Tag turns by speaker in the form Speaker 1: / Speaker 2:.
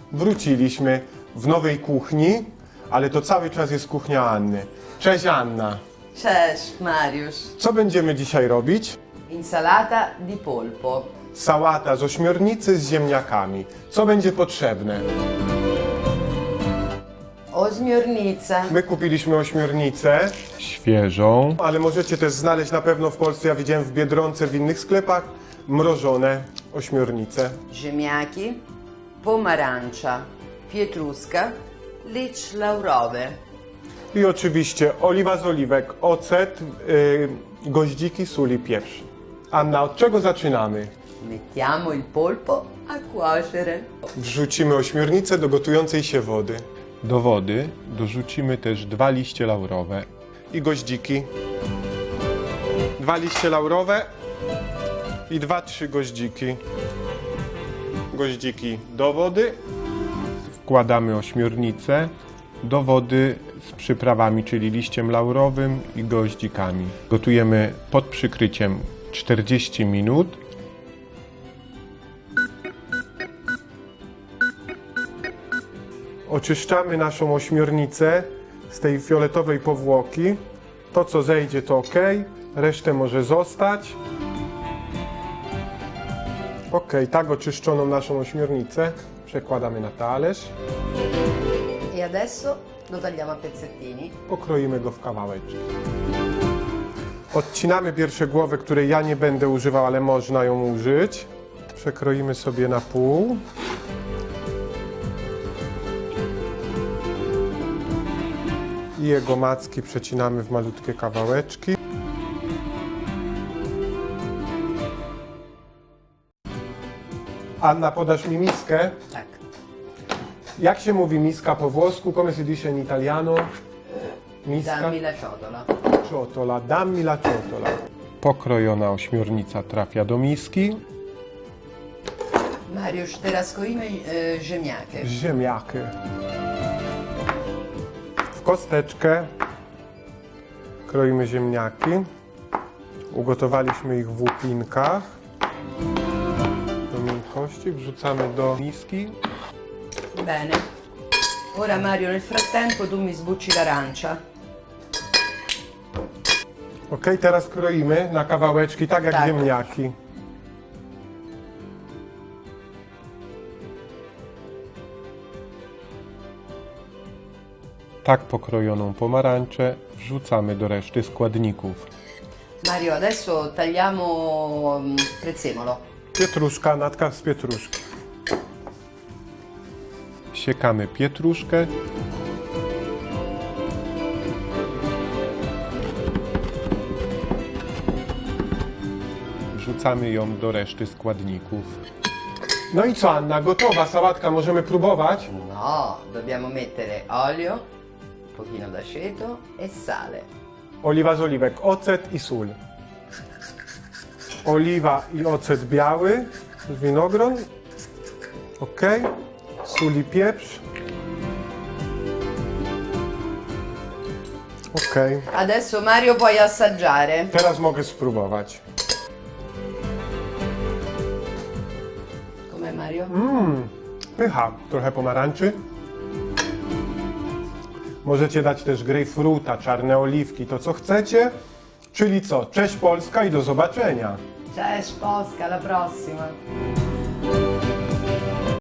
Speaker 1: Wróciliśmy w nowej kuchni, ale to cały czas jest kuchnia Anny. Cześć Anna.
Speaker 2: Cześć, Mariusz.
Speaker 1: Co będziemy dzisiaj robić?
Speaker 2: Insalata di polpo.
Speaker 1: Sałata z ośmiornicy z ziemniakami. Co będzie potrzebne?
Speaker 2: Ośmiornica.
Speaker 1: My kupiliśmy ośmiornicę świeżą, ale możecie też znaleźć na pewno w Polsce, ja widziałem w Biedronce, w innych sklepach, mrożone ośmiornice.
Speaker 2: Ziemniaki. Pomarańcza. Pietruszka. Licz laurowy.
Speaker 1: I oczywiście oliwa z oliwek, ocet, goździki, sól i pieprz. Anna, od czego zaczynamy?
Speaker 2: Mettiamo il polpo a cuocere.
Speaker 1: Wrzucimy ośmiornicę do gotującej się wody.
Speaker 3: Do wody dorzucimy też 2 liście laurowe.
Speaker 1: I goździki. 2 liście laurowe i 2-3 goździki. Goździki do wody.
Speaker 3: Wkładamy ośmiornicę do wody z przyprawami, czyli liściem laurowym i goździkami. Gotujemy pod przykryciem 40 minut.
Speaker 1: Oczyszczamy naszą ośmiornicę z tej fioletowej powłoki. To co zejdzie to ok, resztę może zostać. Ok, tak oczyszczoną naszą ośmiornicę przekładamy na talerz.
Speaker 2: E adesso lo tagliamo a pezzettini.
Speaker 1: Pokroimy go w kawałeczki. Odcinamy pierwsze głowy, której ja nie będę używał, ale można ją użyć. Przekroimy sobie na pół. I jego macki przecinamy w malutkie kawałeczki. Anna, podasz mi miskę?
Speaker 2: Tak.
Speaker 1: Jak się mówi miska po włosku? Come si dice in italiano? Miska?
Speaker 2: Dammi la ciotola.
Speaker 1: Ciotola, dammi la ciotola.
Speaker 3: Pokrojona ośmiornica trafia do miski.
Speaker 2: Mariusz, teraz kroimy ziemniaki.
Speaker 1: Ziemniaki. W kosteczkę kroimy ziemniaki. Ugotowaliśmy ich w łupinkach. Do miękkości wrzucamy do miski.
Speaker 2: Bene. Ora Mario, nel frattempo tu mi sbucci l'arancia.
Speaker 1: Ok, teraz kroimy na kawałeczki, tak jak
Speaker 2: Tak.
Speaker 1: ziemniaki.
Speaker 3: Tak pokrojoną pomarańczę wrzucamy do reszty składników.
Speaker 2: Mario, adesso tagliamo prezzemolo.
Speaker 1: Pietruszka, natka z pietruszki.
Speaker 3: Siekamy pietruszkę. Wrzucamy ją do reszty składników.
Speaker 1: No i co Anna, gotowa sałatka, możemy próbować?
Speaker 2: No, dobbiamo mettere olio, un pochino d'aceto e sale.
Speaker 1: Oliwa z oliwek, ocet i sól. Oliwa i ocet biały z winogron. Ok. Sól i pieprz. Ok.
Speaker 2: Adesso Mario puoi assaggiare.
Speaker 1: Teraz mogę spróbować.
Speaker 2: Com'è Mario?
Speaker 1: Pycha. Trochę pomarańczy. Możecie dać też grejpfruta, czarne oliwki, to co chcecie. Czyli co? Cześć Polska i do zobaczenia.
Speaker 2: Cześć Polska, alla prossima.